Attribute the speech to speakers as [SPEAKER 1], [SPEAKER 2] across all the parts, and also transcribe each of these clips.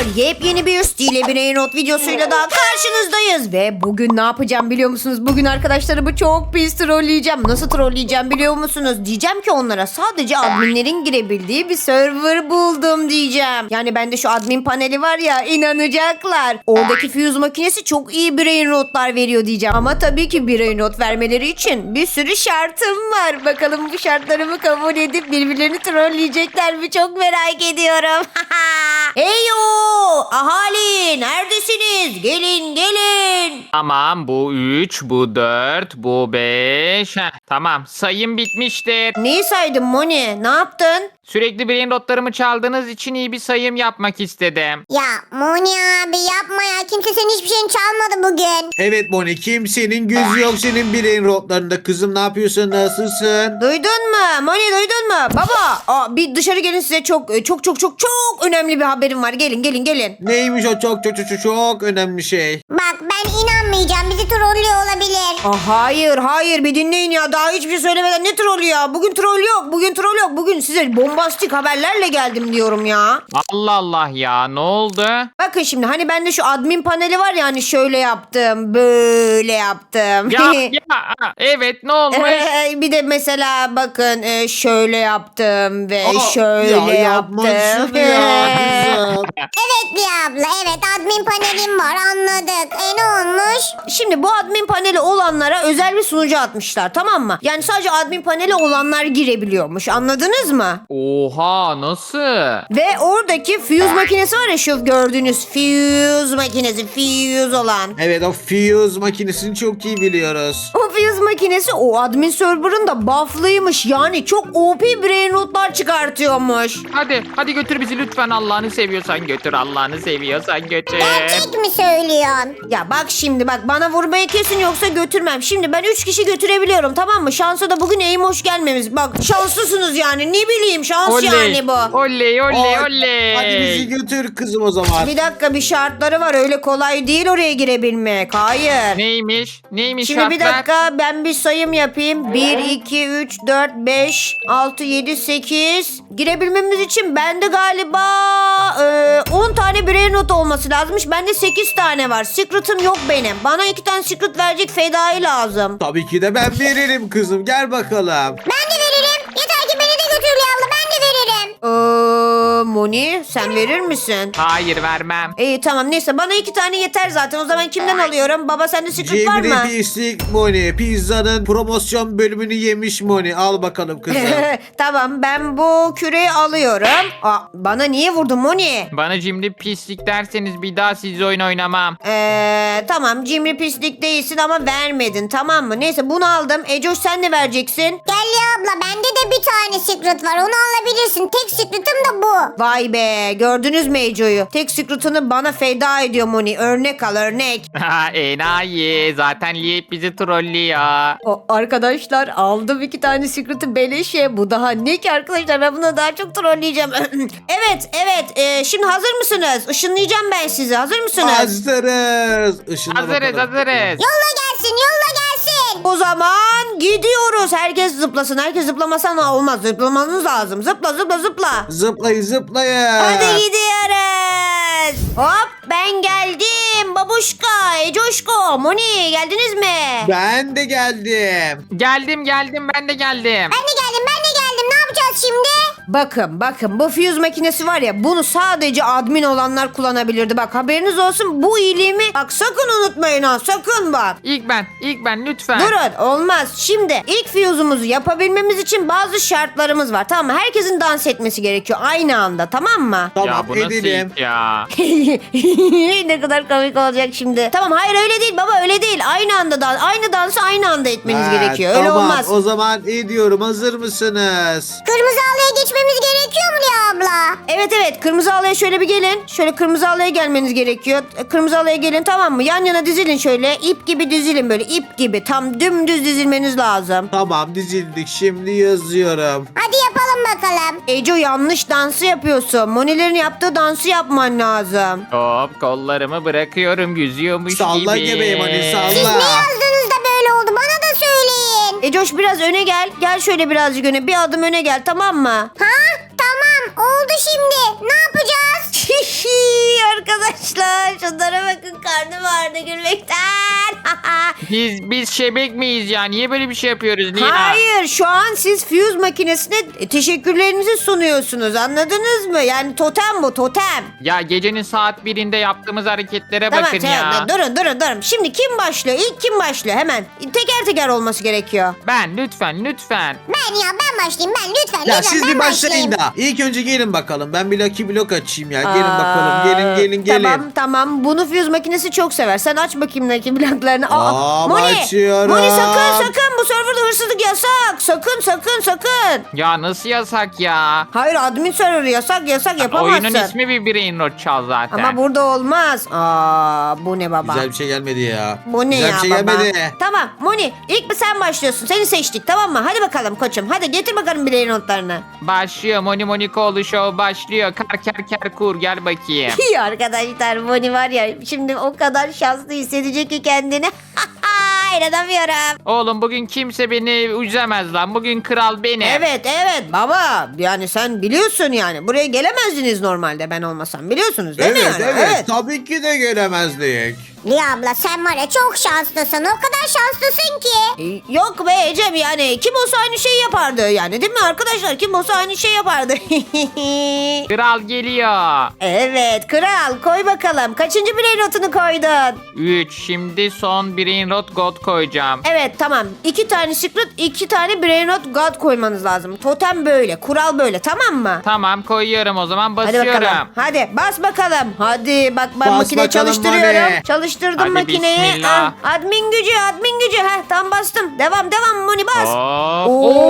[SPEAKER 1] Yepyeni bir Stile Brainrot videosuyla daha karşınızdayız. Ve bugün ne yapacağım biliyor musunuz? Bugün arkadaşlarımı çok pis trolleyeceğim. Nasıl trolleyeceğim biliyor musunuz? Diyeceğim ki onlara sadece adminlerin girebildiği bir server buldum diyeceğim. Yani bende şu admin paneli var ya, inanacaklar. Oradaki fuse makinesi çok iyi brainrotlar veriyor diyeceğim. Ama tabii ki brainrot vermeleri için bir sürü şartım var. Bakalım bu şartlarımı kabul edip birbirlerini trolleyecekler mi? Çok merak ediyorum. Heyo! Ahali neredesiniz? Gelin gelin.
[SPEAKER 2] Tamam, bu 3, bu 4, bu 5. Tamam, sayım bitmiştir.
[SPEAKER 1] Neyi saydın Moni? Ne yaptın?
[SPEAKER 2] Sürekli brain rotlarımı çaldığınız için iyi bir sayım yapmak istedim.
[SPEAKER 3] Ya Moni abi yapma ya. Kimse senin hiçbir şeyini çalmadı bugün.
[SPEAKER 4] Evet Moni, kimsenin gözü yok senin bireyin rotlarında. Kızım ne yapıyorsun, nasılsın?
[SPEAKER 1] Duydun mu? Moni duydun mu? Baba bir dışarı gelin, size çok önemli bir haberim var. Gelin gelin gelin.
[SPEAKER 4] Neymiş o çok önemli şey.
[SPEAKER 3] Bak ben inanmayacağım. Bizi trollüyor olabilir.
[SPEAKER 1] Hayır bir dinleyin ya. Daha hiçbir şey söylemeden ne trollü ya? Bugün troll yok. Bugün size bombastik haberlerle geldim diyorum ya.
[SPEAKER 2] Allah Allah ya, ne oldu?
[SPEAKER 1] Bakın şimdi hani bende şu admin paneli var ya, hani şöyle yaptım, böyle yaptım.
[SPEAKER 2] Evet, ne olmuş?
[SPEAKER 1] Bir de mesela bakın şöyle yaptım ve şöyle
[SPEAKER 4] ya yapma
[SPEAKER 1] yaptım.
[SPEAKER 4] şunu ya kızım.
[SPEAKER 3] Evet Liya abla, evet admin panelim var, anladık. Ne olmuş?
[SPEAKER 1] Şimdi bu admin paneli olanlara özel bir sunucu atmışlar, tamam mı? Yani sadece admin paneli olanlar girebiliyormuş, anladınız mı?
[SPEAKER 2] Oha, nasıl?
[SPEAKER 1] Ve oradaki fuse makinesi var ya, şu gördüğünüz fuse makinesi, fuse olan.
[SPEAKER 4] Evet, o fuse makinesini çok iyi biliyoruz.
[SPEAKER 1] O fuse makinesi o admin server'ın da buff'lıymış. Yani çok OP brainrotlar çıkartıyormuş.
[SPEAKER 2] Hadi götür bizi lütfen, Allah'ını seviyorsan götür, Allah'ını seviyorsan götür.
[SPEAKER 3] Gerçek mi söylüyorsun?
[SPEAKER 1] Ya bak şimdi bak, bana vurmayı kesin yoksa götürmem. Şimdi ben 3 kişi götürebiliyorum, tamam mı? Şansa da bugün hoş gelmemiz. Bak şanslısınız yani, ne bileyim, şans yani bu.
[SPEAKER 2] Oley.
[SPEAKER 4] Hadi bizi götür kızım o zaman.
[SPEAKER 1] Bir dakika, bir şartları var, öyle kolay değil oraya girebilmek. Hayır.
[SPEAKER 2] Neymiş
[SPEAKER 1] Şimdi bir
[SPEAKER 2] şartlar?
[SPEAKER 1] dakika, ben bir sayım yapayım. 1, 2, 3, 4, 5, 6, 7, 8. Girebilmemiz için bende galiba 10 tane brainrot olması lazımmış. Bende 8 tane var. Secret'ım yok benim. Bana 2 tane secret verecek fedai lazım.
[SPEAKER 4] Tabii ki de ben veririm kızım, gel bakalım.
[SPEAKER 3] Ben de veririm. Yeter ki beni de götür Liya abla, ben de veririm.
[SPEAKER 1] Moni sen verir misin?
[SPEAKER 2] Hayır, vermem.
[SPEAKER 1] İyi tamam, neyse bana 2 tane yeter zaten. O zaman kimden alıyorum? Baba sende secret var mı?
[SPEAKER 4] Cimri pislik Moni. Pizzanın promosyon bölümünü yemiş Moni. Al bakalım kızım.
[SPEAKER 1] Tamam, ben bu küreği alıyorum. Bana niye vurdun Moni?
[SPEAKER 2] Bana cimri pislik derseniz bir daha sizle oyun oynamam.
[SPEAKER 1] Tamam, cimri pislik değilsin ama vermedin, tamam mı? Neyse bunu aldım. Ecoş sen de vereceksin.
[SPEAKER 3] Gel Liya abla, bende de bir tane secret var, onu alabilirsin. Tek secret'ım da bu.
[SPEAKER 1] Vay be, gördünüz mü Eco'yu? Tek secret'ını bana feda ediyor Moni. Örnek al, örnek.
[SPEAKER 2] Enayi, zaten Liyip bizi trollüyor.
[SPEAKER 1] Arkadaşlar aldım 2 tane secret'ı beleşe. Bu daha ne ki arkadaşlar, ben bunu daha çok trolleyeceğim. evet. Şimdi hazır mısınız? Işınlayacağım ben sizi. Hazır mısınız?
[SPEAKER 4] Hazırız. Işınla
[SPEAKER 2] Hazırız.
[SPEAKER 3] Yolla gelsin.
[SPEAKER 1] O zaman gidiyoruz. Herkes zıplasın. Herkes zıplamasa ne olmaz. Zıplamanız lazım. Zıpla.
[SPEAKER 4] Zıplayın.
[SPEAKER 1] Hadi gidiyoruz. Hop, ben geldim. Babuşka, Ecoşko, Moni geldiniz mi?
[SPEAKER 4] Ben de geldim.
[SPEAKER 2] Geldim, ben de geldim.
[SPEAKER 3] Ben de geldim. Ne yapacağız şimdi?
[SPEAKER 1] Bakın bu fuse makinesi var ya, bunu sadece admin olanlar kullanabilirdi. Bak haberiniz olsun, bu iyiliğimi bak sakın unutmayın ha, sakın bak.
[SPEAKER 2] İlk ben lütfen.
[SPEAKER 1] Durun, olmaz. Şimdi ilk fuse'umuzu yapabilmemiz için bazı şartlarımız var, tamam mı? Herkesin dans etmesi gerekiyor aynı anda, tamam mı?
[SPEAKER 2] Ya
[SPEAKER 4] Tamam,
[SPEAKER 2] bu nasıl
[SPEAKER 4] edelim.
[SPEAKER 2] ilk ya?
[SPEAKER 1] Ne kadar komik olacak şimdi. Tamam, hayır öyle değil baba, öyle değil. Aynı dansı aynı anda etmeniz
[SPEAKER 4] Ha,
[SPEAKER 1] gerekiyor. Öyle
[SPEAKER 4] tamam,
[SPEAKER 1] olmaz.
[SPEAKER 4] o zaman ediyorum. Hazır mısınız?
[SPEAKER 3] Kırmızı halıya geçmemiz gerekiyor mu Liya abla?
[SPEAKER 1] Evet, kırmızı halıya şöyle bir gelin. Şöyle kırmızı halıya gelmeniz gerekiyor. Kırmızı halıya gelin, tamam mı? Yan yana dizilin şöyle. İp gibi dizilin, böyle ip gibi. Tam dümdüz dizilmeniz lazım.
[SPEAKER 4] Tamam, dizildik. Şimdi yazıyorum.
[SPEAKER 3] Hadi yapalım bakalım.
[SPEAKER 1] Eco, yanlış dansı yapıyorsun. Monilerin yaptığı dansı yapman lazım.
[SPEAKER 2] Hop, kollarımı bırakıyorum, yüzüyormuş
[SPEAKER 4] Salla
[SPEAKER 2] gibi.
[SPEAKER 4] göbeğim hani, salla.
[SPEAKER 3] Siz ne yazdınız da böyle oldu? Bana da söyleyin.
[SPEAKER 1] Ecoş biraz öne gel. Gel şöyle birazcık öne. Bir adım öne gel, tamam mı?
[SPEAKER 3] Ha? Tamam. Oldu şimdi. Ne yapacağız?
[SPEAKER 1] Şunlara bakın, karnım ağrıdı gülmekten.
[SPEAKER 2] Biz şebek miyiz ya? Niye böyle bir şey yapıyoruz Lia?
[SPEAKER 1] Hayır, şu an siz fuse makinesine teşekkürlerinizi sunuyorsunuz, anladınız mı? Yani totem bu, totem.
[SPEAKER 2] Ya gecenin saat 1'inde yaptığımız hareketlere
[SPEAKER 1] Tamam,
[SPEAKER 2] bakın ya.
[SPEAKER 1] durun. Şimdi kim başlıyor? İlk kim başlıyor? Hemen. Teker teker olması gerekiyor.
[SPEAKER 2] Ben lütfen.
[SPEAKER 3] Ben başlayayım ben lütfen.
[SPEAKER 4] Ya
[SPEAKER 3] lütfen,
[SPEAKER 4] siz
[SPEAKER 3] ben
[SPEAKER 4] bir başlayın
[SPEAKER 3] başlayayım.
[SPEAKER 4] da. İlk önce gelin bakalım. Ben bir Lucky Block açayım ya. Gelin bakalım. Gelin.
[SPEAKER 1] Tamam. Bunu fuse makinesi çok sever. Sen aç bakayım Lucky Block'larını.
[SPEAKER 4] Açıyorum.
[SPEAKER 1] Moni sakın. Bu serverda hırsızlık yasak. Sakın.
[SPEAKER 2] Ya nasıl yasak ya?
[SPEAKER 1] Hayır, admin serverı yasak yapamazsın.
[SPEAKER 2] Oyunun ismi bir Brain Rot Çal zaten.
[SPEAKER 1] Ama burada olmaz. Bu ne baba?
[SPEAKER 4] Güzel bir şey gelmedi ya.
[SPEAKER 1] Bu ne
[SPEAKER 4] Güzel
[SPEAKER 1] ya
[SPEAKER 4] bir şey
[SPEAKER 1] baba?
[SPEAKER 4] gelmedi.
[SPEAKER 1] Tamam Moni, ilk bir sen başlıyorsun. Seni seçtik, tamam mı? Hadi bakalım koçum. Hadi getir bakalım birey notlarını.
[SPEAKER 2] Başlıyor. Moni Monikoğlu Show başlıyor. Kar kur gel bakayım.
[SPEAKER 1] İyi arkadaşlar, Moni var ya şimdi o kadar şanslı hissedecek ki kendini. İnanamıyorum.
[SPEAKER 2] Oğlum bugün kimse beni üzemez lan. Bugün kral benim.
[SPEAKER 1] Evet baba, yani sen biliyorsun yani. Buraya gelemezdiniz normalde ben olmasam, biliyorsunuz değil mi yani?
[SPEAKER 4] Evet. Tabii ki de gelemezdik.
[SPEAKER 3] Lia abla sen var ya çok şanslısın. O kadar şanslısın ki.
[SPEAKER 1] Yok be Ecem, yani kim olsa aynı şeyi yapardı yani, değil mi arkadaşlar? Kim olsa aynı şey yapardı.
[SPEAKER 2] Kral geliyor.
[SPEAKER 1] Evet kral, koy bakalım. Kaçıncı birey notunu koydun?
[SPEAKER 2] 3. Şimdi son Brain Rot God koyacağım.
[SPEAKER 1] Evet tamam. 2 tane secret, 2 tane brain not god koymanız lazım. Totem böyle, kural böyle, tamam mı?
[SPEAKER 2] Tamam koyuyorum o zaman
[SPEAKER 1] Hadi
[SPEAKER 2] basıyorum.
[SPEAKER 1] bakalım. Hadi bas bakalım. Hadi bak, ben
[SPEAKER 4] Bas
[SPEAKER 1] makine
[SPEAKER 4] bakalım
[SPEAKER 1] çalıştırıyorum.
[SPEAKER 4] Moni.
[SPEAKER 1] Çalıştırdım
[SPEAKER 2] Hadi
[SPEAKER 1] makineyi.
[SPEAKER 2] bismillah.
[SPEAKER 1] Admin gücü. Tam bastım. Devam Moni bas.
[SPEAKER 2] Hop.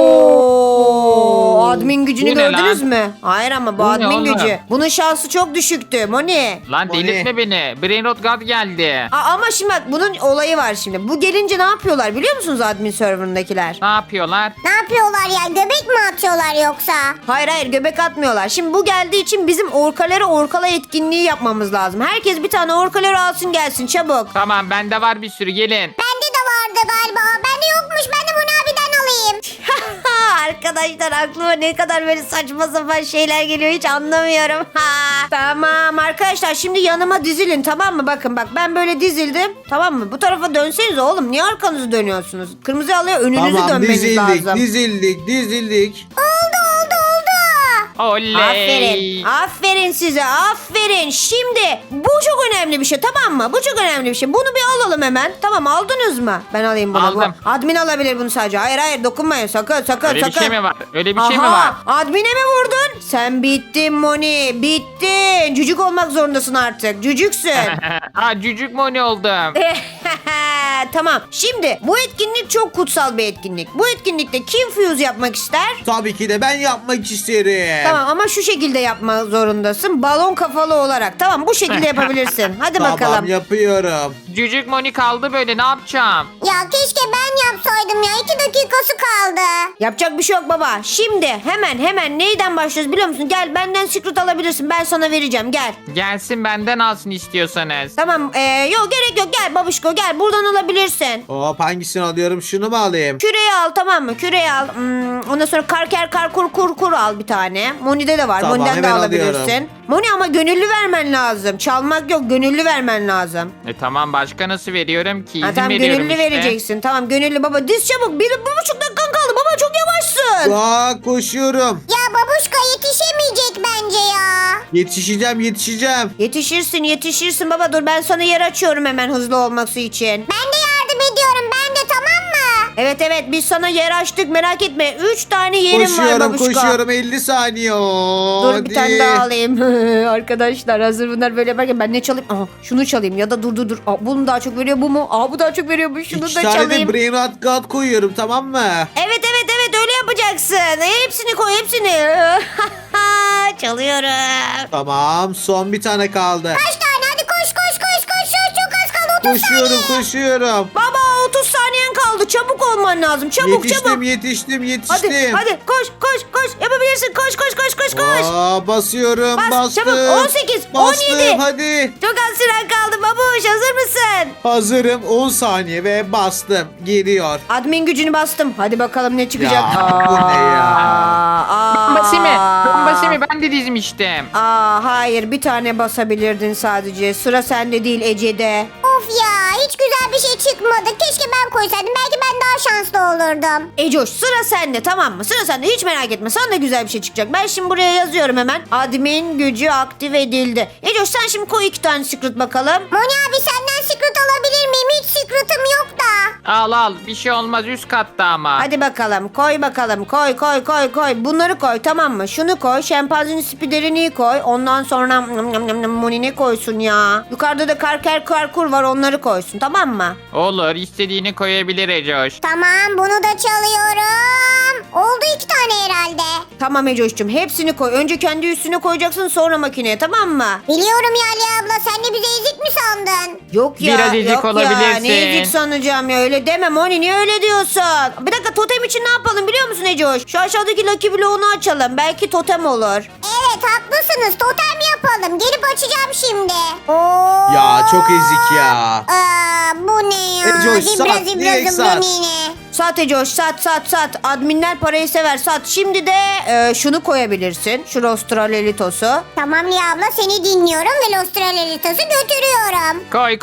[SPEAKER 1] Oo, admin gücünü
[SPEAKER 2] Bu ne
[SPEAKER 1] gördünüz
[SPEAKER 2] lan?
[SPEAKER 1] mü? Hayır ama bu
[SPEAKER 2] Bu ne
[SPEAKER 1] admin
[SPEAKER 2] oğlum?
[SPEAKER 1] gücü. Bunun şansı çok düşüktü Moni.
[SPEAKER 2] Lan
[SPEAKER 4] Moni.
[SPEAKER 2] delirtme beni. Brain Rot God geldi.
[SPEAKER 1] Ama şimdi bak, bunun olayı var şimdi. Bu gelince ne yapıyorlar biliyor musunuz admin serverındakiler?
[SPEAKER 2] Ne yapıyorlar?
[SPEAKER 3] Ne yapıyorlar ya? Göbek mi atıyorlar yoksa?
[SPEAKER 1] Hayır göbek atmıyorlar. Şimdi bu geldiği için bizim orkala etkinliği yapmamız lazım. Herkes bir tane orkaları alsın gelsin çabuk.
[SPEAKER 2] Tamam bende var bir sürü gelin.
[SPEAKER 3] Bende de vardı galiba. Bende yokmuş. Ben de bunu abiden alayım.
[SPEAKER 1] Arkadaşlar aklıma ne kadar böyle saçma sapan şeyler geliyor hiç anlamıyorum. Tamam arkadaşlar, şimdi yanıma dizilin, tamam mı? Bakın ben böyle dizildim, tamam mı? Bu tarafa dönseniz oğlum, niye arkanızı dönüyorsunuz? Kırmızı halıya önünüzü
[SPEAKER 4] Tamam
[SPEAKER 1] dönmeniz lazım.
[SPEAKER 4] dizildik.
[SPEAKER 3] Oldu.
[SPEAKER 2] Oley.
[SPEAKER 1] Aferin size, aferin. Şimdi bu çok önemli bir şey, tamam mı? Bu çok önemli bir şey. Bunu bir alalım hemen. Tamam, aldınız mı? Ben alayım bunu.
[SPEAKER 2] Aldım.
[SPEAKER 1] Bu- Admin alabilir bunu sadece. Hayır dokunmayın sakın.
[SPEAKER 2] Öyle bir şey mi var? Öyle bir şey mi
[SPEAKER 1] Aha,
[SPEAKER 2] var?
[SPEAKER 1] admine mi vurdun? Sen bittin Moni, bittin. Cücük olmak zorundasın artık. Cücüksün.
[SPEAKER 2] Ha cücük Moni oldum.
[SPEAKER 1] Tamam. Şimdi bu etkinlik çok kutsal bir etkinlik. Bu etkinlikte kim fuse yapmak ister?
[SPEAKER 4] Tabii ki de ben yapmak isterim.
[SPEAKER 1] Tamam ama şu şekilde yapmak zorundasın. Balon kafalı olarak. Tamam, bu şekilde yapabilirsin. Hadi
[SPEAKER 4] Tamam
[SPEAKER 1] bakalım.
[SPEAKER 4] yapıyorum.
[SPEAKER 2] Cücük Moni kaldı böyle ne yapacağım?
[SPEAKER 3] Ya keşke ben yapsaydım ya. 2 dakikası kaldı.
[SPEAKER 1] Yapacak bir şey yok baba. Şimdi hemen neyden başlıyoruz biliyor musun? Gel, benden secret alabilirsin. Ben sana vereceğim. Gel.
[SPEAKER 2] Gelsin benden alsın istiyorsanız.
[SPEAKER 1] Tamam. Yok gerek yok. Gel babişko, gel. Buradan alabilirsin.
[SPEAKER 4] Hop, hangisini alıyorum? Şunu mu alayım?
[SPEAKER 1] Küreyi al, tamam mı? Küreyi al. Ondan sonra kur al bir tane. Moni'de de var.
[SPEAKER 4] Tamam,
[SPEAKER 1] Moni'den de
[SPEAKER 4] hemen
[SPEAKER 1] alabilirsin.
[SPEAKER 4] alıyorum.
[SPEAKER 1] Moni ama gönüllü vermen lazım. Çalmak yok. Gönüllü vermen lazım.
[SPEAKER 2] Tamam başka nasıl veriyorum ki? İzin
[SPEAKER 1] Ha, tamam
[SPEAKER 2] veriyorum
[SPEAKER 1] gönüllü
[SPEAKER 2] işte.
[SPEAKER 1] vereceksin. Tamam gönüllü baba. Diz çabuk. 1,5 dakikan kaldı. Baba çok yavaşsın.
[SPEAKER 4] Koşuyorum.
[SPEAKER 3] Ya babuşka yetişemeyecek bence ya.
[SPEAKER 4] Yetişeceğim.
[SPEAKER 1] Yetişirsin baba. Dur ben sana yer açıyorum hemen hızlı olması için.
[SPEAKER 3] Ben de yardım ediyorum. Ben de, tamam mı?
[SPEAKER 1] Evet biz sana yer açtık, merak etme. 3 tane yerim var babuşka.
[SPEAKER 4] Koşuyorum 50 saniye.
[SPEAKER 1] Dur
[SPEAKER 4] Hadi.
[SPEAKER 1] bir tane daha alayım. Arkadaşlar hazır bunlar böyle yaparken ben ne çalayım? Aha, şunu çalayım ya da dur. Bunu daha çok veriyor, bu mu? Bu daha çok veriyor, bu şunu
[SPEAKER 4] 2
[SPEAKER 1] da
[SPEAKER 4] tane
[SPEAKER 1] çalayım.
[SPEAKER 4] de Brain Rot God koyuyorum, tamam mı?
[SPEAKER 1] Evet öyle yapacaksın. Hepsini koy, hepsini. Çalıyorum.
[SPEAKER 4] Tamam, son bir tane kaldı.
[SPEAKER 3] Kaç tane? Hadi koş. Çok az kaldı. 30 saniye.
[SPEAKER 4] Koşuyorum.
[SPEAKER 1] Baba 30 saniyen kaldı. Çabuk olman lazım. Çabuk.
[SPEAKER 4] Yetiştim.
[SPEAKER 1] Hadi koş. Yapabilirsin. Koş.
[SPEAKER 4] Basıyorum.
[SPEAKER 1] Bas,
[SPEAKER 4] Bastım.
[SPEAKER 1] çabuk. 18,
[SPEAKER 4] Bastım,
[SPEAKER 1] 17.
[SPEAKER 4] hadi.
[SPEAKER 1] Çok az süren kaldı babuş. Hazır mısın?
[SPEAKER 4] Hazırım, 10 saniye ve bastım. Geliyor.
[SPEAKER 1] Admin gücünü bastım. Hadi bakalım ne çıkacak.
[SPEAKER 4] Ya, bu ne ya?
[SPEAKER 2] basayım mı? Ben basayım mı? Ben de dizmiştim.
[SPEAKER 1] Hayır, bir tane basabilirdin sadece. Sıra sende değil, Ece'de.
[SPEAKER 3] Of ya, hiç güzel bir şey çıkmadı. Keşke ben koysaydım. Belki ben daha şanslı olurdum.
[SPEAKER 1] Ecoş, sıra sende, tamam mı? Sıra sende, hiç merak etme. Sana da güzel bir şey çıkacak. Ben şimdi buraya yazıyorum hemen. Admin gücü aktif edildi. Ecoş, sen şimdi koy 2 tane secret bakalım.
[SPEAKER 3] Moni abi, senden secret alabilir miyim? Hiç secret'ım yok da.
[SPEAKER 2] Al bir şey olmaz, üst katta ama.
[SPEAKER 1] Hadi bakalım, koy bakalım. Koy. Bunları koy, tamam mı? Şunu koy. Şempanzenin spiderini koy. Ondan sonra Moni ne koysun ya? Yukarıda da karkur var, onları koysun, tamam mı?
[SPEAKER 2] Olur, istediğini koyabilir Ecoş.
[SPEAKER 3] Tamam, bunu da çalıyorum. Oldu 2 tane herhalde.
[SPEAKER 1] Tamam Ecoş'cum, hepsini koy. Önce kendi üstüne koyacaksın, sonra makineye, tamam mı?
[SPEAKER 3] Biliyorum ya Ali abla, sen de bizi ezik mi sandın?
[SPEAKER 1] Yok ya,
[SPEAKER 2] Biraz ezik
[SPEAKER 1] yok ya.
[SPEAKER 2] olabilirsin.
[SPEAKER 1] Ne ezik sanacağım ya, öyle deme Moni, niye öyle diyorsun? Bir dakika, totem için ne yapalım biliyor musun Ecoş? Şu aşağıdaki Lucky Block'unu açalım, belki totem olur.
[SPEAKER 3] Evet, haklısınız, totem yapalım. Gelip açacağım şimdi. Oo.
[SPEAKER 4] Ya çok ezik ya.
[SPEAKER 3] Bu ne ya?
[SPEAKER 4] Ecoş,
[SPEAKER 3] Zibra
[SPEAKER 4] sat,
[SPEAKER 3] zibra
[SPEAKER 4] direkt
[SPEAKER 3] zımbra
[SPEAKER 4] sat.
[SPEAKER 3] nine.
[SPEAKER 1] Sat Ecoş, sat. Adminler parayı sever, sat. Şimdi de şunu koyabilirsin, şu Rostralelitos'u.
[SPEAKER 3] Tamam Liya abla, seni dinliyorum ve Lostralelitos'u götürüyorum.
[SPEAKER 2] Koy.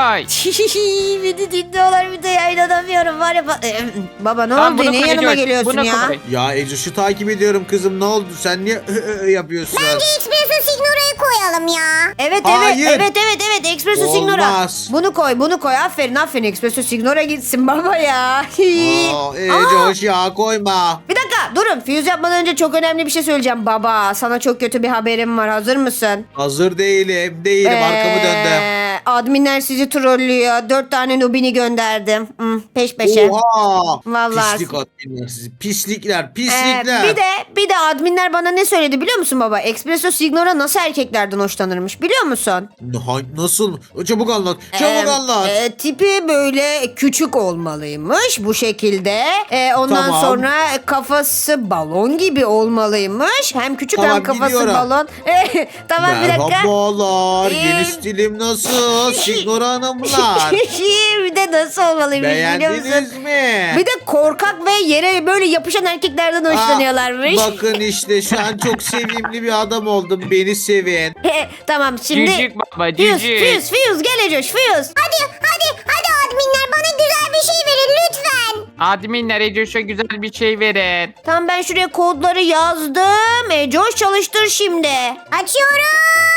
[SPEAKER 1] Beni dinliyorlar bir de ya, inanamıyorum var ya. Baba ne
[SPEAKER 2] Tamam,
[SPEAKER 1] oldu,
[SPEAKER 2] bunu
[SPEAKER 1] niye
[SPEAKER 2] koy
[SPEAKER 1] yanıma
[SPEAKER 2] Ecoş,
[SPEAKER 1] geliyorsun
[SPEAKER 2] bunu
[SPEAKER 1] ya?
[SPEAKER 2] koy.
[SPEAKER 4] Ya Ecoş'u takip ediyorum kızım, ne oldu? Sen niye yapıyorsun?
[SPEAKER 3] Bence Espresso Signora'yı koyalım ya.
[SPEAKER 1] Evet
[SPEAKER 4] Hayır.
[SPEAKER 1] evet Espresso Signora.
[SPEAKER 4] Olmaz.
[SPEAKER 1] Bunu koy. Aferin Espresso Signora gitsin baba ya.
[SPEAKER 4] Aa, Ecoş ya, koyma.
[SPEAKER 1] Bir dakika durun. Fuse yapmadan önce çok önemli bir şey söyleyeceğim baba. Sana çok kötü bir haberim var. Hazır mısın?
[SPEAKER 4] Hazır değilim. Arkamı döndüm.
[SPEAKER 1] Adminler sizi trollüyor. 4 tane nubini gönderdim. Peş peşe.
[SPEAKER 4] Oha.
[SPEAKER 1] Vallahi.
[SPEAKER 4] Pislik adminler sizi. Pislikler.
[SPEAKER 1] Bir de adminler bana ne söyledi biliyor musun baba? Espresso Signora nasıl erkeklerden hoşlanırmış biliyor musun?
[SPEAKER 4] Nasıl? Çabuk anlat. Anlat.
[SPEAKER 1] Tipi böyle küçük olmalıymış bu şekilde. Ondan
[SPEAKER 4] Tamam.
[SPEAKER 1] sonra kafası balon gibi olmalıymış. Hem küçük
[SPEAKER 4] Tamam,
[SPEAKER 1] hem kafası
[SPEAKER 4] biliyorum.
[SPEAKER 1] balon. Tamam bir dakika.
[SPEAKER 4] Merhabalar.
[SPEAKER 1] Ee,
[SPEAKER 4] Yeni stilim nasıl? Signora hanımlar.
[SPEAKER 1] Bir de nasıl olmalıymış biliyor musun?
[SPEAKER 4] Beğendiniz mi?
[SPEAKER 1] Bir de korkak ve yere böyle yapışan erkeklerden hoşlanıyorlarmış.
[SPEAKER 4] Bakın işte şu an çok sevimli bir adam oldum. Beni sevin.
[SPEAKER 1] Tamam şimdi.
[SPEAKER 2] Cücük baba,
[SPEAKER 1] Fuse
[SPEAKER 2] cücük.
[SPEAKER 1] gel Ecoş Fuse.
[SPEAKER 3] Hadi adminler, bana güzel bir şey verin lütfen.
[SPEAKER 2] Adminler Ecoş'a güzel bir şey verin.
[SPEAKER 1] Tamam ben şuraya kodları yazdım. Ecoş çalıştır şimdi.
[SPEAKER 3] Açıyorum.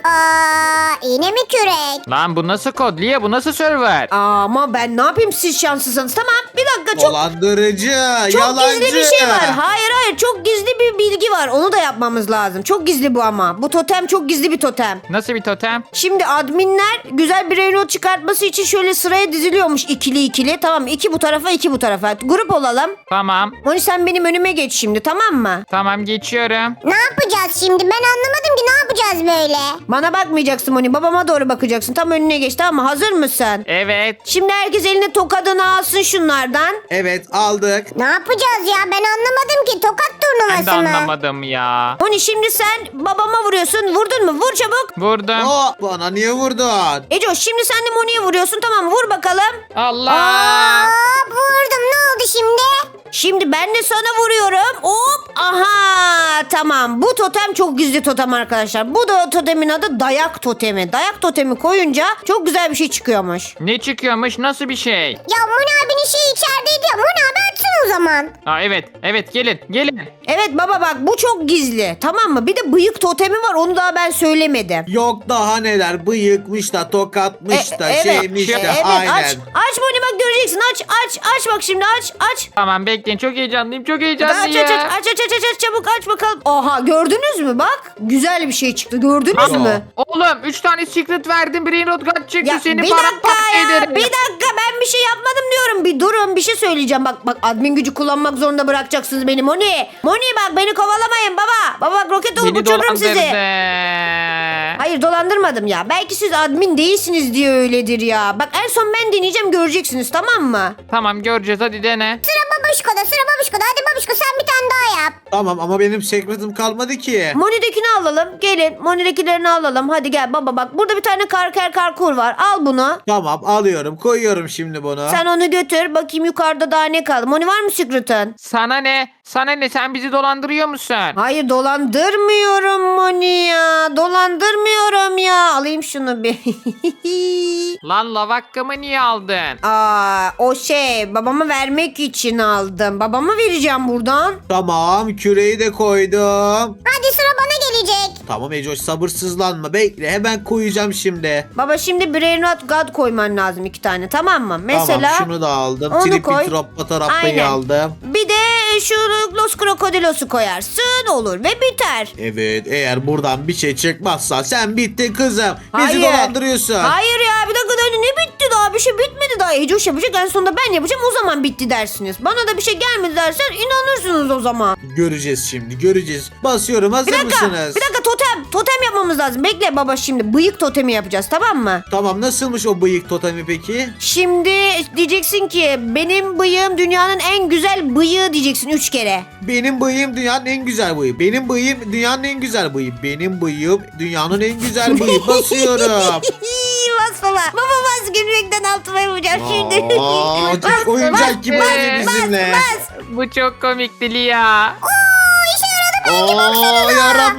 [SPEAKER 3] İğne mi kürek?
[SPEAKER 2] Lan bu nasıl kod Lia, bu nasıl server?
[SPEAKER 1] Ama ben ne yapayım siz şanslısınız. Tamam bir dakika
[SPEAKER 4] Dolandırıcı.
[SPEAKER 1] çok
[SPEAKER 4] Yalancı.
[SPEAKER 1] gizli bir şey var. Hayır çok gizli bir bilgi var. Onu da yapmamız lazım. Çok gizli bu ama. Bu totem çok gizli bir totem.
[SPEAKER 2] Nasıl bir totem?
[SPEAKER 1] Şimdi adminler güzel bir reynot çıkartması için şöyle sıraya diziliyormuş ikili. Tamam 2 bu tarafa 2 bu tarafa. Grup olalım.
[SPEAKER 2] Tamam.
[SPEAKER 1] Moni sen benim önüme geç şimdi tamam mı?
[SPEAKER 2] Tamam, geçiyorum.
[SPEAKER 3] Ne yapacağız şimdi? Ben anlamadım ki, ne yapacağız böyle?
[SPEAKER 1] Bana bakmayacaksın Moni. Babama doğru bakacaksın. Tam önüne geç tamam mı? Hazır mısın?
[SPEAKER 2] Evet.
[SPEAKER 1] Şimdi herkes eline tokadını alsın şunlardan.
[SPEAKER 4] Evet, aldık.
[SPEAKER 3] Ne yapacağız ya? Ben anlamadım ki. Tokat
[SPEAKER 2] Ben de
[SPEAKER 3] turnuvası mı?
[SPEAKER 2] anlamadım ya.
[SPEAKER 1] Moni şimdi sen babama vuruyorsun. Vurdun mu? Vur çabuk.
[SPEAKER 2] Vurdum.
[SPEAKER 4] Bana niye vurdun?
[SPEAKER 1] Eco şimdi sen de Moni'ye vuruyorsun. Tamam vur bakalım.
[SPEAKER 2] Allah.
[SPEAKER 3] Vurdum. Ne oldu şimdi?
[SPEAKER 1] Şimdi ben de sana vuruyorum. Hop. Aha. Tamam. Bu totem çok gizli totem arkadaşlar. Bu da totemin adı dayak totemi. Dayak totemi koyunca çok güzel bir şey çıkıyormuş.
[SPEAKER 2] Ne çıkıyormuş, nasıl bir şey?
[SPEAKER 3] Ya Moni abinin şeyi içerideydi ya. Moni abi açsın o zaman.
[SPEAKER 2] Aa, evet gelin.
[SPEAKER 1] Evet baba bak bu çok gizli. Tamam mı? Bir de bıyık totemi var. Onu daha ben söylemedim.
[SPEAKER 4] Yok daha neler. Bıyıkmış da, tokatmış da,
[SPEAKER 1] evet.
[SPEAKER 4] şeymiş de.
[SPEAKER 1] Evet
[SPEAKER 4] Aynen.
[SPEAKER 1] aç Moni bak göreceksin. Aç bak şimdi aç.
[SPEAKER 2] Tamam, bekleyin, çok heyecanlıyım, çok
[SPEAKER 1] Aç
[SPEAKER 2] heyecanlıyım.
[SPEAKER 1] çabuk aç bakalım. Oha gördünüz mü bak? Güzel bir şey çıktı. Gördünüz
[SPEAKER 4] Aa.
[SPEAKER 1] mü?
[SPEAKER 2] Oğlum 3 tane secret verdim, Brain Rot God çıktı,
[SPEAKER 1] Ya
[SPEAKER 2] seni
[SPEAKER 1] bir dakika
[SPEAKER 2] paramparça
[SPEAKER 1] ya.
[SPEAKER 2] ederim.
[SPEAKER 1] Bir dakika ben bir şey yapmadım diyorum. Bir durun bir şey söyleyeceğim. Bak admin gücü kullanmak zorunda bırakacaksınız beni Moni. Moni bak beni kovalamayın baba. Baba bak roket olup
[SPEAKER 2] Beni
[SPEAKER 1] uçururum sizi.
[SPEAKER 2] dolandırdı.
[SPEAKER 1] Hayır dolandırmadım ya. Belki siz admin değilsiniz diye öyledir ya. Bak en son ben deneyeceğim göreceksiniz tamam mı?
[SPEAKER 2] Tamam, göreceğiz, hadi dene.
[SPEAKER 3] Sıra baba Babuşko'da sıra Babuşko'da. Hadi Babuşko sen bir tane daha yap.
[SPEAKER 4] Tamam ama benim secret'ım kalmadı ki.
[SPEAKER 1] Moni'dekini alalım. Gelin Moni'dekilerini alalım. Hadi gel baba bak. Burada bir tane karkur var. Al bunu.
[SPEAKER 4] Tamam alıyorum koyuyorum şimdi bunu.
[SPEAKER 1] Sen onu götür. Bakayım yukarıda daha ne kaldı. Moni var mı secret'ın?
[SPEAKER 2] Sana ne? Sana ne? Sen bizi dolandırıyor musun?
[SPEAKER 1] Hayır dolandırmıyorum Moni ya. Dolandırmıyorum ya. Alayım şunu bir.
[SPEAKER 2] Lan lavakkamı niye aldın?
[SPEAKER 1] O şey babama vermek için aldım. Babama vereceğim buradan.
[SPEAKER 4] Tamam küreği de koydum.
[SPEAKER 3] Hadi sıra bana gelecek.
[SPEAKER 4] Tamam Ecoş sabırsızlanma bekle hemen koyacağım şimdi.
[SPEAKER 1] Baba şimdi Brain Rot God koyman lazım 2 tane tamam mı? Mesela
[SPEAKER 4] Tamam şunu da aldım.
[SPEAKER 1] onu
[SPEAKER 4] Tripi
[SPEAKER 1] koy.
[SPEAKER 4] troppa tarappayı
[SPEAKER 1] Aynen.
[SPEAKER 4] aldım.
[SPEAKER 1] bir de şu Los Krokodilos'u koyarsın olur ve biter.
[SPEAKER 4] Evet eğer buradan bir şey çıkmazsa sen bittin kızım. Bizi
[SPEAKER 1] Hayır.
[SPEAKER 4] dolandırıyorsun.
[SPEAKER 1] Hayır ya bir dakika daha ne bitti daha bir şey bitmedi daha. Ecoş yapacak en sonunda ben yapacağım o zaman bitti dersiniz. Bana da bir şey gelmedi dersen inanırsınız o zaman.
[SPEAKER 4] Göreceğiz şimdi göreceğiz. Basıyorum hazır
[SPEAKER 1] Bir dakika
[SPEAKER 4] mısınız?
[SPEAKER 1] bir dakika totem yapmamız lazım. Bekle baba şimdi bıyık totemi yapacağız tamam mı?
[SPEAKER 4] Tamam nasılmış o bıyık totemi peki?
[SPEAKER 1] Şimdi diyeceksin ki benim bıyığım dünyanın en güzel bıyığı diyeceksin 3 kere.
[SPEAKER 4] Benim bıyığım dünyanın en güzel bıyığı. Benim bıyığım dünyanın en güzel bıyığı. Benim bıyığım dünyanın en güzel bıyığı. Basıyorum.
[SPEAKER 1] Bas baba. Baba bas gülmekten altıma yapacağım şimdi.
[SPEAKER 4] Aa, çok oyuncak gibi oldu bizimle.
[SPEAKER 2] Bu çok komikti Lia.
[SPEAKER 4] Oo,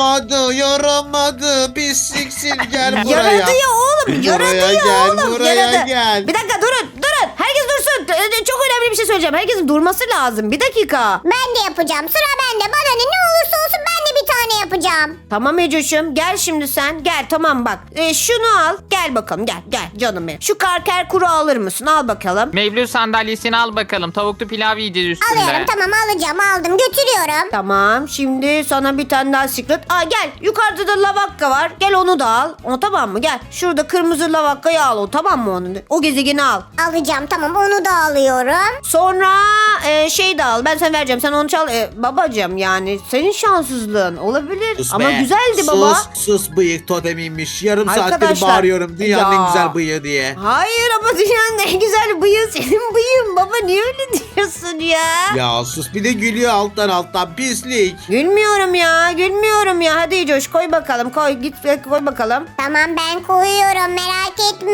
[SPEAKER 4] yaramadı. Pisliksin gel buraya.
[SPEAKER 1] Yaradı ya oğlum.
[SPEAKER 4] Buraya
[SPEAKER 1] Yaradı ya
[SPEAKER 4] gel,
[SPEAKER 1] oğlum.
[SPEAKER 4] buraya
[SPEAKER 1] Yaradı.
[SPEAKER 4] gel.
[SPEAKER 1] Bir dakika durun. Herkes dursun. Çok önemli bir şey söyleyeceğim. Herkesin durması lazım. Bir dakika.
[SPEAKER 3] Ben de yapacağım. Sıra bende. Bana ne olursa olsun ben de bir tane yapacağım.
[SPEAKER 1] Tamam Ecoş'um gel şimdi sen. Gel tamam bak. Şunu al. Gel bakalım gel canım benim. Şu karker kuru alır mısın? Al bakalım.
[SPEAKER 2] Mevlüt sandalyesini al bakalım. Tavuklu pilav yiyeceğiz üstünde.
[SPEAKER 3] Alıyorum tamam aldım götürüyorum.
[SPEAKER 1] Tamam şimdi sana bir tane daha secret. Gel yukarıda da lavakka var. Gel onu da al. O tamam mı? Gel. Şurada kırmızı lavakkayı al o tamam mı onu? O gezegeni al.
[SPEAKER 3] Alacağım tamam onu da alıyorum.
[SPEAKER 1] Sonra şey de al. Ben sana vereceğim. Sen onu çal. Babacığım yani senin şanssızlığın olabilir.
[SPEAKER 4] Sus
[SPEAKER 1] Ama
[SPEAKER 4] be.
[SPEAKER 1] güzeldi baba.
[SPEAKER 4] Sus bıyık totemiymiş. Yarım saattir
[SPEAKER 1] Arkadaşlar,
[SPEAKER 4] bağırıyorum dünyanın en
[SPEAKER 1] ya.
[SPEAKER 4] güzel bıyığı diye.
[SPEAKER 1] Hayır ama dünyanın en güzel bıyığı senin bıyığın. Baba niye öyle diyorsun ya?
[SPEAKER 4] Ya sus bir de gülüyor alttan pislik.
[SPEAKER 1] Gülmüyorum ya. Hadi Coş koy bakalım. Git koy bakalım.
[SPEAKER 3] Tamam ben koyuyorum merak etme.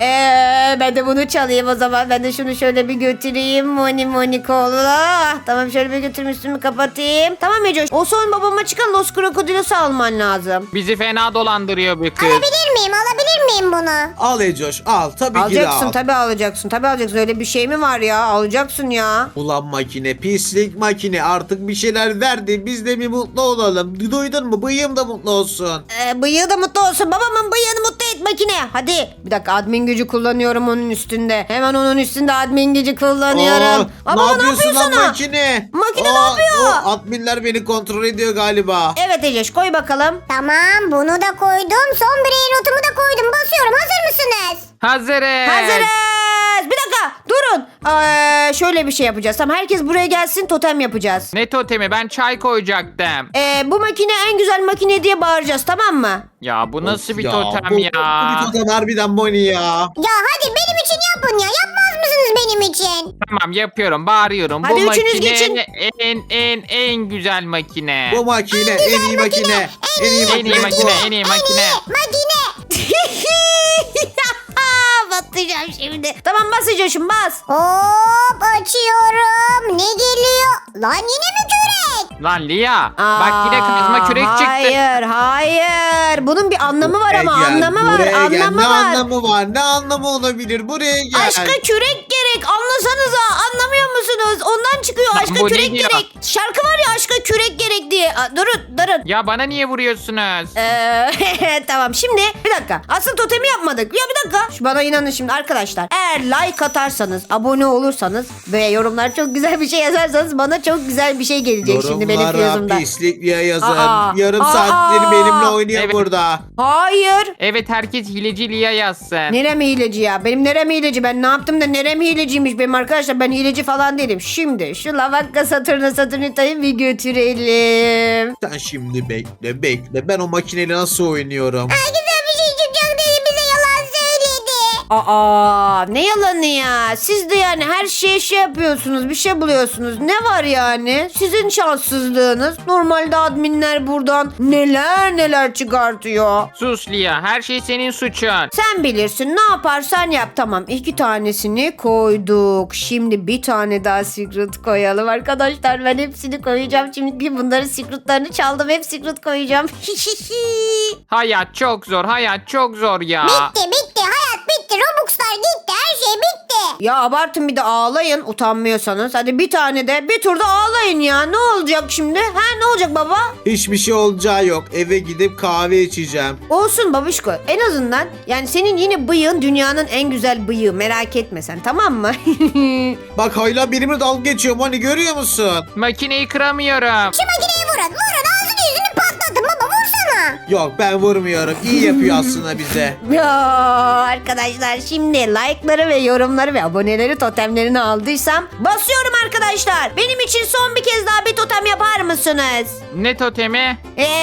[SPEAKER 1] Ben de bunu çalayım o zaman. Ben de şunu şöyle bir götüreyim. Moni kola. Tamam şöyle bir götürüm üstümü kapatayım. Tamam Ecoş. O son babama çıkan Los Krokodilos'u alman lazım.
[SPEAKER 2] Bizi fena dolandırıyor bu kız.
[SPEAKER 3] Alabilir miyim bunu?
[SPEAKER 4] Al Ecoş al tabii ki de
[SPEAKER 1] Alacaksın
[SPEAKER 4] al.
[SPEAKER 1] tabii alacaksın. Öyle bir şey mi var ya? Alacaksın ya.
[SPEAKER 4] Ulan makine pislik makine artık bir şeyler verdi biz de bir mutlu olalım. Duydun mu bıyığım da mutlu olsun.
[SPEAKER 1] Bıyığı da mutlu olsun. Babamın bıyığını mutlu et makine. Hadi. Bir dakika admin gücü kullanıyorum onun üstünde. Hemen onun üstünde admin gücü kullanıyorum.
[SPEAKER 4] Ne yapıyorsun lan
[SPEAKER 1] sana?
[SPEAKER 4] makine?
[SPEAKER 1] Makine ne yapıyor?
[SPEAKER 4] Adminler beni kontrol ediyor galiba.
[SPEAKER 1] Evet Eceş koy bakalım.
[SPEAKER 3] Tamam bunu da koydum. Son birey notumu da koydum. Basıyorum hazır mısınız?
[SPEAKER 2] Hazırız.
[SPEAKER 1] Hazırız. Bir dakika durun. Şöyle bir şey yapacağız. Tamam herkes buraya gelsin totem yapacağız.
[SPEAKER 2] Ne totemi? Ben çay koyacaktım.
[SPEAKER 1] Bu makine en güzel makine diye bağıracağız tamam mı?
[SPEAKER 2] Ya bu nasıl bir
[SPEAKER 4] Ya,
[SPEAKER 2] totem
[SPEAKER 4] bu
[SPEAKER 2] ya?
[SPEAKER 4] bir totem harbiden Moni ya.
[SPEAKER 3] Ya hadi benim için yapın ya. Yapmaz mısınız benim için?
[SPEAKER 2] Tamam yapıyorum, bağırıyorum.
[SPEAKER 1] Hadi
[SPEAKER 2] bu
[SPEAKER 1] üçünüz
[SPEAKER 2] makine
[SPEAKER 1] geçin.
[SPEAKER 2] en güzel makine.
[SPEAKER 4] Bu makine en iyi makine. En iyi
[SPEAKER 2] En iyi makine, en iyi makine.
[SPEAKER 3] Makine.
[SPEAKER 1] Batacağım şimdi. Tamam basacağım bas.
[SPEAKER 3] Hop açıyorum. Ne geliyor? Lan yine mi kürek?
[SPEAKER 2] Lan Lia, bak yine kazma kürek çıktı.
[SPEAKER 1] Hayır. Bunun bir anlamı var ama anlamı var.
[SPEAKER 4] Buraya gel.
[SPEAKER 1] Anlamı
[SPEAKER 4] Ne
[SPEAKER 1] var.
[SPEAKER 4] anlamı var? Ne anlamı olabilir? Buraya gel.
[SPEAKER 1] Aşka kürek gerek. Anlasanıza. Anlamıyor musunuz? Ondan çıkıyor
[SPEAKER 2] Lan
[SPEAKER 1] aşka
[SPEAKER 2] bu ne
[SPEAKER 1] kürek
[SPEAKER 2] diyor?
[SPEAKER 1] gerek. Şarkı var ya aşka kürek gerek diye. Durun.
[SPEAKER 2] Ya bana niye vuruyorsunuz?
[SPEAKER 1] Tamam şimdi bir dakika. Asıl totemi yapmadık. Ya bir dakika. Bana inanın şimdi arkadaşlar. Eğer like atarsanız, abone olursanız ve yorumlar çok güzel bir şey yazarsanız bana çok güzel bir şey gelecek şimdi benim
[SPEAKER 4] Yorumlara
[SPEAKER 1] yazımda.
[SPEAKER 4] pislik diye yazın.
[SPEAKER 1] Aa,
[SPEAKER 4] Yarım
[SPEAKER 1] aa,
[SPEAKER 4] saattir benimle oynuyor
[SPEAKER 2] Evet.
[SPEAKER 4] burada.
[SPEAKER 1] Hayır.
[SPEAKER 2] Evet, herkes hileci Lia yazsın.
[SPEAKER 1] Nerem hileci ya? Benim nerem hileci? Ben ne yaptım da nerem hileciymiş benim arkadaşlar? Ben hileci falan değilim. Şimdi şu lavakka Saturnita'yı bir götürelim.
[SPEAKER 4] Sen şimdi bekle. Ben o makineyle nasıl oynuyorum?
[SPEAKER 3] Güzel bir şey çıkacak dedi bize yalan söyledi.
[SPEAKER 1] Aa, ne yalanı ya. Siz de yani her şeye şey yapıyorsunuz, bir şey buluyorsunuz. Ne var yani? Sizin şanssızlığınız. Normalde adminler buradan neler neler çıkartıyor.
[SPEAKER 2] Sus Lia, her şey senin suçun.
[SPEAKER 1] Sen bilirsin, ne yaparsan yap. Tamam, 2 tanesini koyduk. Şimdi bir tane daha secret koyalım arkadaşlar. Ben hepsini koyacağım. Çünkü bunların secretlarını çaldım. Hep secret koyacağım.
[SPEAKER 2] Hayat çok zor, hayat çok zor ya.
[SPEAKER 3] Bitti. Hayat bitti. Robux'lar gitti. Her şey bitti.
[SPEAKER 1] Ya abartın, bir de ağlayın utanmıyorsanız. Hadi bir tane de bir turda ağlayın ya. Ne olacak şimdi? Ha, ne olacak baba?
[SPEAKER 4] Hiçbir şey olacağı yok. Eve gidip kahve içeceğim.
[SPEAKER 1] Olsun babişko. En azından yani senin yine bıyığın dünyanın en güzel bıyığı. Merak etme sen, tamam mı?
[SPEAKER 4] Bak hala benimle dalga geçiyor. Hani görüyor musun?
[SPEAKER 2] Makineyi kıramıyorum.
[SPEAKER 3] Şu makineyi vurun. Ağzını yüzünü patlatın baba. Vursana.
[SPEAKER 4] Yok ben vurmuyorum. İyi yapıyor aslında bize.
[SPEAKER 1] Ya arkadaşlar, şimdi like'ları ve yorumları ve aboneleri, totemlerini aldıysam basıyorum arkadaşlar. Benim için son bir kez daha bir totem yapar mısınız?
[SPEAKER 2] Ne totemi?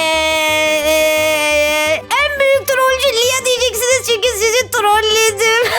[SPEAKER 1] En büyük trollcü Lia diyeceksiniz çünkü sizi trolledim.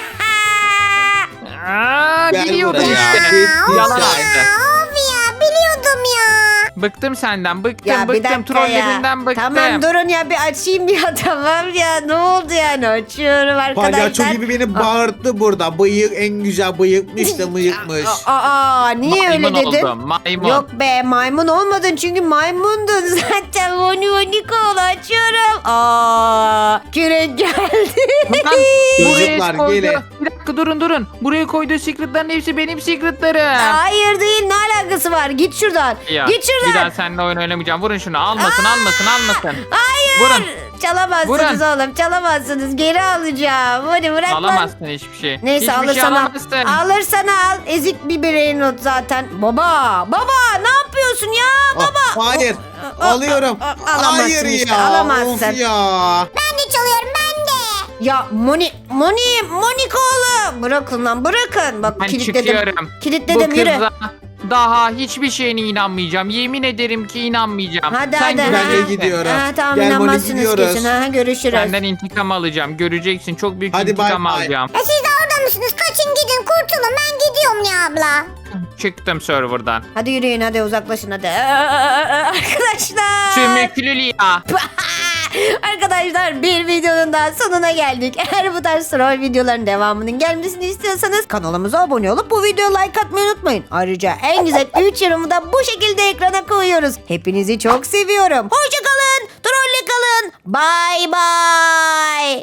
[SPEAKER 2] Aa,
[SPEAKER 4] Gel
[SPEAKER 2] biliyordum
[SPEAKER 4] buraya.
[SPEAKER 2] işte.
[SPEAKER 4] Bitti
[SPEAKER 2] Yalan
[SPEAKER 4] sen.
[SPEAKER 2] attı.
[SPEAKER 3] Of ya biliyordum ya.
[SPEAKER 2] Bıktım senden, bıktım,
[SPEAKER 1] Ya bir
[SPEAKER 2] bıktım.
[SPEAKER 1] dakika
[SPEAKER 2] Trollerinden
[SPEAKER 1] ya.
[SPEAKER 2] bıktım.
[SPEAKER 1] Tamam durun ya, bir açayım ya, tamam ya, ne oldu yani, açıyorum arkadaşlar.
[SPEAKER 4] Palyaço gibi beni bağırttı burada. Bıyık en güzel bıyıkmış da bıyıkmış.
[SPEAKER 1] Aa, niye
[SPEAKER 2] Maymun
[SPEAKER 1] öyle dedin?
[SPEAKER 2] oldum, maymun.
[SPEAKER 1] Yok be, maymun olmadın çünkü maymundun zaten. Monika açıyorum. Aa, kürek geldi.
[SPEAKER 2] Lan,
[SPEAKER 4] Çocuklar,
[SPEAKER 2] koydu.
[SPEAKER 4] gelin.
[SPEAKER 2] Bir dakika durun. Buraya koyduğu secretların hepsi benim secretlarım.
[SPEAKER 1] Hayır değil, ne alakası var? Git şuradan.
[SPEAKER 2] Ya,
[SPEAKER 1] Git şuradan.
[SPEAKER 2] bir daha seninle oyun oynamayacağım. Vurun şunu. Almasın.
[SPEAKER 1] Hayır.
[SPEAKER 2] Vurun.
[SPEAKER 1] Çalamazsınız oğlum, çalamazsınız. Geri alacağım. Hadi bırak lan.
[SPEAKER 2] Alamazsın hiçbir şey.
[SPEAKER 1] Neyse,
[SPEAKER 2] hiçbir
[SPEAKER 1] alırsan
[SPEAKER 2] şey
[SPEAKER 1] al.
[SPEAKER 2] alamazsın.
[SPEAKER 1] Alırsan al. Ezik bir birey not zaten. Baba ne yapıyorsun ya?
[SPEAKER 4] Ah, hayır. Alıyorum.
[SPEAKER 1] Alamazsın
[SPEAKER 4] Hayır
[SPEAKER 1] işte,
[SPEAKER 4] ya.
[SPEAKER 1] alamazsın.
[SPEAKER 4] Of ya.
[SPEAKER 3] Ben de çalıyorum ben de.
[SPEAKER 1] Ya Monika oğlum. Bırakın lan, bırakın. Bak
[SPEAKER 2] Ben
[SPEAKER 1] kilitledim.
[SPEAKER 2] çıkıyorum.
[SPEAKER 1] Kilitledim,
[SPEAKER 2] Bu
[SPEAKER 1] yürü.
[SPEAKER 2] kıza daha hiçbir şeyine inanmayacağım. Yemin ederim ki inanmayacağım.
[SPEAKER 1] Hadi,
[SPEAKER 2] Sen
[SPEAKER 1] hadi.
[SPEAKER 4] Ben de
[SPEAKER 2] göreceksin.
[SPEAKER 4] gidiyorum.
[SPEAKER 1] Ha, tamam,
[SPEAKER 4] Gel Moni,
[SPEAKER 1] inanmazsınız
[SPEAKER 4] gidiyoruz.
[SPEAKER 1] kesin. Ha, görüşürüz.
[SPEAKER 2] Senden intikam alacağım. Göreceksin. Çok büyük
[SPEAKER 4] Hadi
[SPEAKER 2] intikam
[SPEAKER 4] bay bay.
[SPEAKER 2] alacağım.
[SPEAKER 3] Siz de orada mısınız? Kaçın gidin kurtulun. Ben gidiyorum ya abla.
[SPEAKER 2] Çıktım serverdan.
[SPEAKER 1] Hadi yürüyün, hadi uzaklaşın hadi. Arkadaşlar.
[SPEAKER 2] Sümüklü Lia.
[SPEAKER 1] Arkadaşlar, bir videonun daha sonuna geldik. Eğer bu tarz troll videoların devamının gelmesini istiyorsanız kanalımıza abone olup bu videoya like atmayı unutmayın. Ayrıca en güzel 3 yorumu da bu şekilde ekrana koyuyoruz. Hepinizi çok seviyorum. Hoşça kalın, trolle kalın. Bye bye.